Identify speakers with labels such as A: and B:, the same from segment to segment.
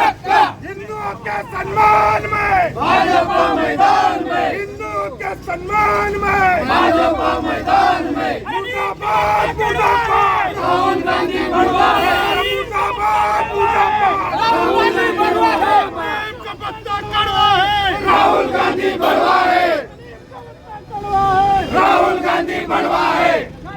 A: हिंदुओं के सम्मान में
B: भाजपा मैदान में,
A: हिंदुओं के सम्मान में
B: भाजपा मैदान में,
A: मुर्दाबाद मुर्दाबाद
B: राहुल गांधी बढ़वा है,
A: मुर्दाबाद मुर्दाबाद
B: राहुल गांधी बढ़वा है,
A: का पत्ता कड़वा है
B: राहुल गांधी बढ़वा है, राहुल गांधी बढ़वा है,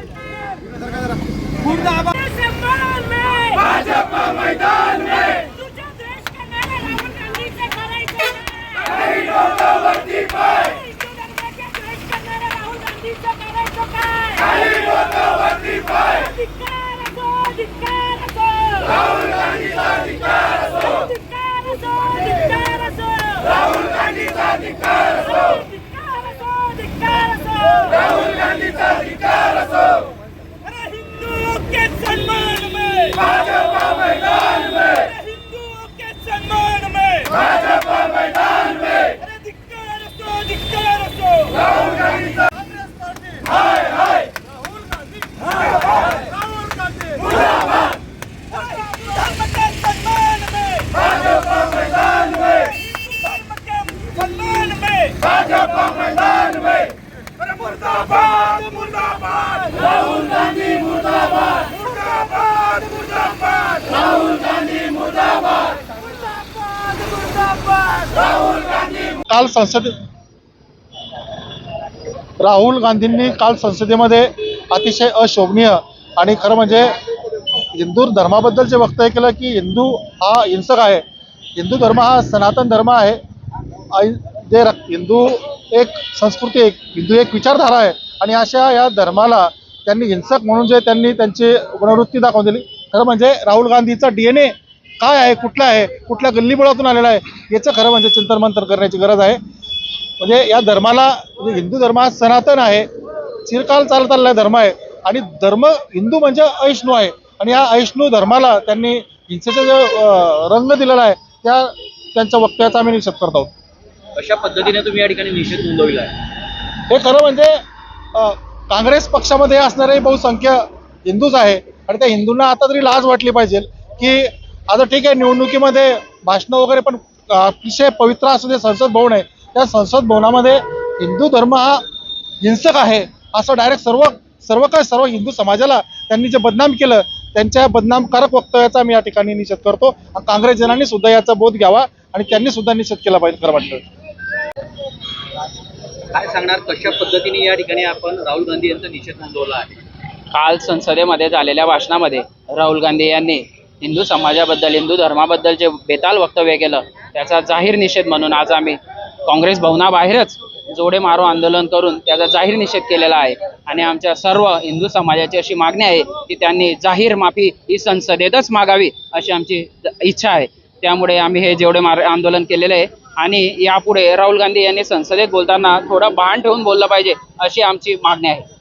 A: मुर्दाबाद
C: सम्मान में
B: भाजपा मैदान में,
C: तुझ्या देश का नारा राहुल गांधीचा करायचा
B: काही लोक वरती पाय,
C: हिंदू धर्माच्या देश का नारा राहुल गांधीचा करायचा काय
B: काही लोक वरती पाय,
C: धिक्कार असो
B: राहुल गांधीचा अधिकार असो,
C: धिक्कार असो
B: राहुल गांधीचा अधिकार असो,
C: धिक्कार असो
B: राहुल गांधीचा अधिकार असो,
C: अरे हिंदुओं के सम्मान में
B: भाजपा मैदान में,
C: अरे हिंदुओं के सम्मान में
B: भाजपा मैदान में,
C: अरे धिक्कार असो
B: राहुल गांधीचा
A: कांग्रेस पार्टी
B: हाय हाय,
A: राहुल गांधी राहुल गांधी
B: मुर्दाबाद,
C: धर्म के सम्मान में
B: भाजपा मैदान में,
C: धर्म के सम्मान में
B: भाजपा मैदान में,
A: अरे मुर्दाबाद मुर्दाबाद
B: राहुल गांधी मुर्दाबाद,
A: मुर्दाबाद मुर्दाबाद
B: राहुल गांधी मुर्दाबाद, राहुल गांधी
D: काल राहुल गांधींनी काल संसदेमध्ये अतिशय अशोभनीय आणि खरं म्हणजे हिंदू धर्माबद्दल जे वक्तव्य केलं की हिंदू हा हिंसक आहे, हिंदू धर्म हा सनातन धर्म आहे, जे हिंदू एक संस्कृती हिंदू एक विचारधारा आहे आणि अशा या धर्माला त्यांनी हिंसक म्हणून जे त्यांनी त्यांची पुनरावृत्ती दाखवून दिली. खरं म्हणजे राहुल गांधीचा DNA काय आहे, कुठला आहे, कुठल्या गल्लीबोळातून आलेला आहे याचं खरं म्हणजे चिंतन मंथन करण्याची गरज आहे. म्हणजे या धर्माला म्हणजे हिंदू धर्म हा सनातन आहे, चिरकाल चालत आलेला धर्म आहे आणि धर्म हिंदू म्हणजे अहिष्णू आहे आणि या अहिष्णू धर्माला त्यांनी हिंसेचा जो रंग दिलेला आहे त्यांच्या वक्तव्याचा आम्ही निषेध करत आहोत.
E: अशा पद्धतीने तुम्ही या ठिकाणी निषेध नोंदविला आहे.
D: हे खरं म्हणजे काँग्रेस पक्षामध्ये असणारे बहुसंख्य हिंदूच आहे आणि त्या हिंदूंना आता तरी लाज वाटली पाहिजे की आता ठीक आहे निवडणुकीमध्ये भाषणं वगैरे पण अतिशय पवित्र असू दे संसद भवन आहे, त्या संसद भवनामध्ये हिंदू धर्म हा हिंसक आहे असं डायरेक्ट सर्व हिंदू समाजाला त्यांनी जे बदनाम केलं त्यांच्या बदनामकारक वक्तव्याचा मी या ठिकाणी निषेध करतो. काँग्रेसजनांनी सुद्धा याचा बोध घ्यावा आणि त्यांनी सुद्धा निषेध केला पाहिजे खरं वाटतं.
E: काय सांगणार, कशा पद्धतीने या ठिकाणी आपण राहुल गांधी यांचा निषेध नोंदवला आहे?
F: काल संसदेमध्ये झालेल्या भाषणामध्ये राहुल गांधी यांनी हिंदू समाजाबद्दल हिंदू धर्माबद्दल जे बेताल वक्तव्य केलं त्याचा जाहीर निषेध म्हणून आज आम्ही काँग्रेस भवनाबाहेरच जोडे मारो आंदोलन करून त्याचा जाहीर निषेध केलेला आहे आणि आमच्या सर्व हिंदू समाजाची अशी मागणी आहे की त्यांनी जाहीर माफी ही संसदेतच मागावी अशी आमची इच्छा आहे. त्यामुळे आम्ही हे जोडे मारो आंदोलन केलेलं आहे आणि यापुढे राहुल गांधी यांनी संसदेत बोलताना थोडं भान ठेवून बोललं पाहिजे अशी आमची मागणी आहे.